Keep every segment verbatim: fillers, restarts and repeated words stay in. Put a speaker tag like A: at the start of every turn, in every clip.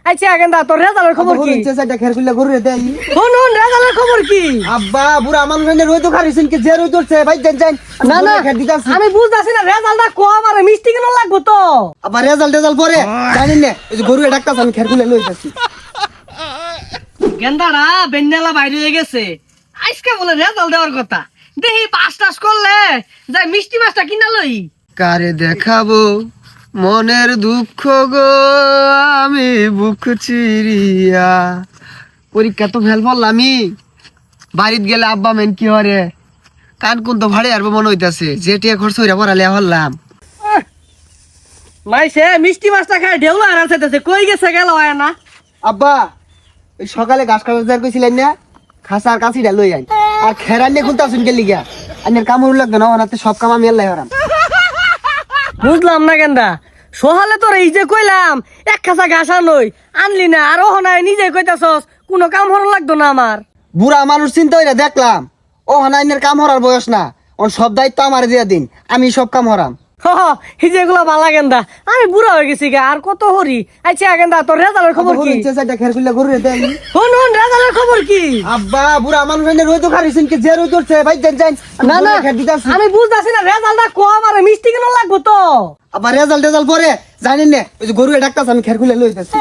A: আচ্ছা গেন্দা তোর রেজাল্টের খবর কি
B: ইচ্ছে চাইটা খের খুলে ঘুরে দেই
A: শুন শুন রেজাল্টের খবর কি
B: আব্বা বুড়া মানুষ এনে রই তো খারিছেন কি যে রই ধরছে ভাই যান যান
A: না না
B: খের দিতাছি
A: আমি বুঝতাছি না রেজাল্টটা কম আর মিষ্টি কেন লাগবো তো
B: আবার রেজাল্ট রেজাল্ট পরে জানেন না এই যে গরু ডাক্তার আমি খের খুলে লই যাচ্ছি
A: গেন্দারা বেন্ডালা বাইরে হয়ে গেছে আজকে বলে রেজাল্ট দেওয়ার কথা দেখি পাস টাস করলে যাই মিষ্টি মাছটা কিনা লই
B: কারে দেখাবো মনের দুঃখ গো আমি বুক চিরিয়া পরীক্ষা তো ফেল পড়লামই বাড়িতে গেলে আব্বা মেন কি হরে কান কোন তো ভাড়ে আসবো মনে হইতাছে যেটিয়া খরচ হইরা পড়ালে হল্লাম
A: মাইসে মিষ্টি মাছটা খায় ঢেউ আর আছে কই গেছে গেল হয় না
B: আব্বা ওই সকালে ঘাস কাটা যার কইছিলেন না খাসার কাছিটা লই আইন আর খেরান নিয়ে খুলতা শুনকে লিগা আনের কামড় লাগবে না ওনাতে সব কাম আমি আল্লাহ হারাম
A: বুঝলাম না গেন্দা সহালে তোর এই যে কইলাম এক খাসা ঘাস আনই আনলি না আর ও নাই নিজে কইতাছস কোনো কাম হর লাগতো না আমার
B: বুড়া মানুষ চিন্তা হইরা দেখলাম ও হানাইনের কাম হরার বয়স না ওর সব দায়িত্ব আমার দিয়া দিন আমি সব কাম হরাম
A: হ এই যে এগুলা বালা গেন্দা আমি বুড়া হয়ে গেছি গা আর কত হরি আচ্ছা গেন্দা তোর রেজাল্টের খবর কি
B: ইচ্ছে চাইটা খের খুলে ঘুরে দেই
A: শুন শুন রেজাল্টের খবর কি
B: আব্বা বুড়া মানুষ এনে রই তো খারিছেন কি যে রই ধরছে ভাই যান যান
A: না না
B: খের দিতাছি
A: আমি বুঝতাছি না রেজাল্টটা কম আর মিষ্টি কেন লাগবো তো
B: আবার রেজাল্ট রেজাল্ট পরে জানেন না ওই যে গরু ডাক্তার আমি খের খুলে লই যাচ্ছি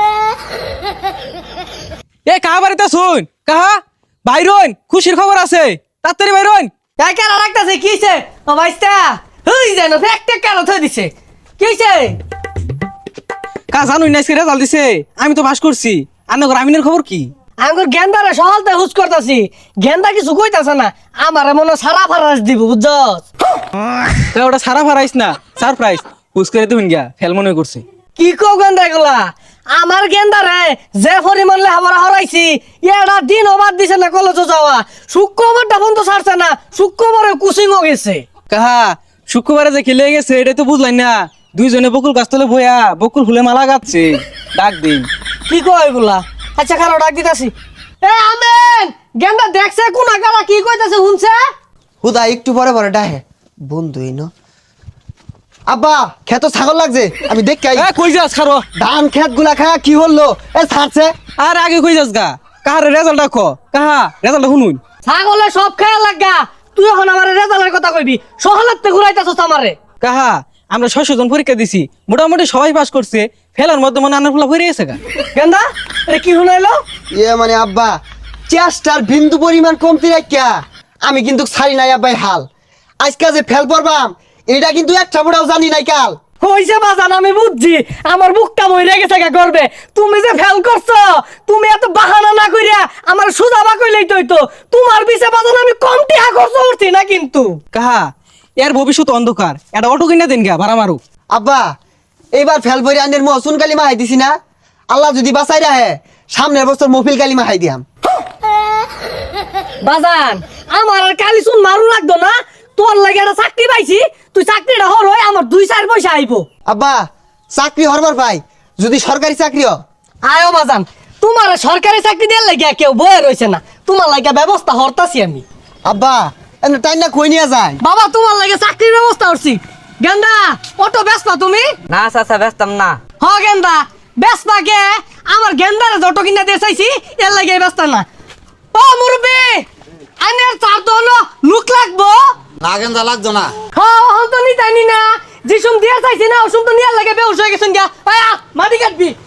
C: এ কাহা বাড়িতে শুন কাহা বাইরন খুশির খবর আছে তাড়াতাড়ি বাইরন
A: কেন রাখতেছে কি হইছে ও ভাইস্তা হই যেন একটা কেন থই দিছে কি হইছে
C: কা জানুই না রেজাল্ট দিছে আমি তো পাস করছি আর নগর আমিনের খবর কি
A: আঙ্গুর গেন্দারে সকালতে হুস করতাছি গেন্দা কিছু কইতাছে না আমারে মনে সারা ফারাস দিব বুঝছস
C: তো ওটা সারা ফারাইস না সারপ্রাইজ হুস করে দিবেন গিয়া ফেল মনে করছে
A: কি কও গেন্দা এগুলা আমার গেন্দারে যে পরিমাণ লেহাপড়া হরাইছি এটা দিন অবাদ দিছে না কলেজে যাওয়া শুক্রবারটা বন্ধ ছাড়ছে না শুক্রবারে কুচিংও গেছে
C: কাহা শুক্রবারে যে খেলে গেছে এটাই তো বুঝলাই না দুইজনে বকুল গাছতলে বইয়া বকুল ফুলে মালা গাচ্ছে ডাক দিন
A: কি কয় এগুলা আচ্ছা খারাপ ডাক দিতাছি এ আমেন গেন্দা দেখছে কোন আগালা কি কইতাছে শুনছে
B: হুদা একটু পরে পরে ডাহে বন্ধুই ন আব্বা খেত ছাগল লাগছে আমি দেখ
C: এ কই যাস খারো
B: ধান খেত গুলা খায় কি হলো এ ছাড়ছে
C: আর আগে কই যাস গা কাহার রেজাল্ট দেখো কাহা রেজাল্ট শুনুন
A: ছাগলে সব খেয়াল লাগা তুই এখন আমার রেজাল্টের কথা কইবি সহলাতে ঘুরাইতাছস আমারে
C: কাহা আমরা ছয়শ জন পরীক্ষা দিছি মোটামুটি সবাই পাস করছে ফেলার মধ্যে মনে আনার ফুলা ভরে গেছে গা
A: গেন্দা এটা কি শুনাইলো
B: ইয়ে মানে আব্বা চেষ্টার বিন্দু পরিমাণ কমতি রাখিয়া আমি কিন্তু ছাড়ি নাই আব্বাই হাল আজকে যে ফেল পড়বাম এটা কিন্তু একটা বড়াও জানি নাই কাল
A: হইছে বাজান আমি বুঝছি আমার বুকটা মইরা গেছে গা করবে তুমি যে ফেল করছো তুমি এত বাহানা না কইরা আমার সুজাবা কইলেই তো হইতো তোমার পিছে বাজান আমি কম টাকা খরচ করছি না কিন্তু
C: কাহা এর ভবিষ্যৎ অন্ধকার এটা অটো কিনা দেন গা ভাড়া মারু
B: আব্বা এইবার ফেল পরে আনের মহসুন কালিমা হাই দিছি না আল্লাহ যদি বাঁচাই রাহে সামনের বছর মফিল কালিমা হাই দিয়াম
A: বাজান আমার আর কালি শুন মারু লাগতো না তোর লাগে একটা চাকরি পাইছি তুই চাকরিটা হর হয় আমার দুই চার পয়সা আইবো
B: আব্বা চাকরি হরবার পাই যদি সরকারি চাকরি হ
A: আয়ো বাজান তোমার সরকারি চাকরি দেওয়ার লাগে কেউ বয়ে রয়েছে না তোমার লাগে ব্যবস্থা হরতাছি আমি
B: আব্বা এমনি টাইম না কই নিয়ে যায়
A: বাবা তোমার লাগে চাকরির ব্যবস্থা করছি গেন্দা অটো ব্যস্ত তুমি
D: না চাচা ব্যস্তাম না
A: হ গেন্দা ব্যস্ত কে আমার গেন্দারে যত কিনা দিয়ে চাইছি এর লাগে ব্যস্ত না ও মুরব্বি আনের চার তো হলো লুক লাগবো
E: লাগেন যা লাগতো না
A: হ্যাঁ হন তো নি জানি না যিসুম দিয়ে চাইছি না ওসুম তো নিয়ার লাগে বেউস হয়ে গেছেন গা আয়া মাটি কাটবি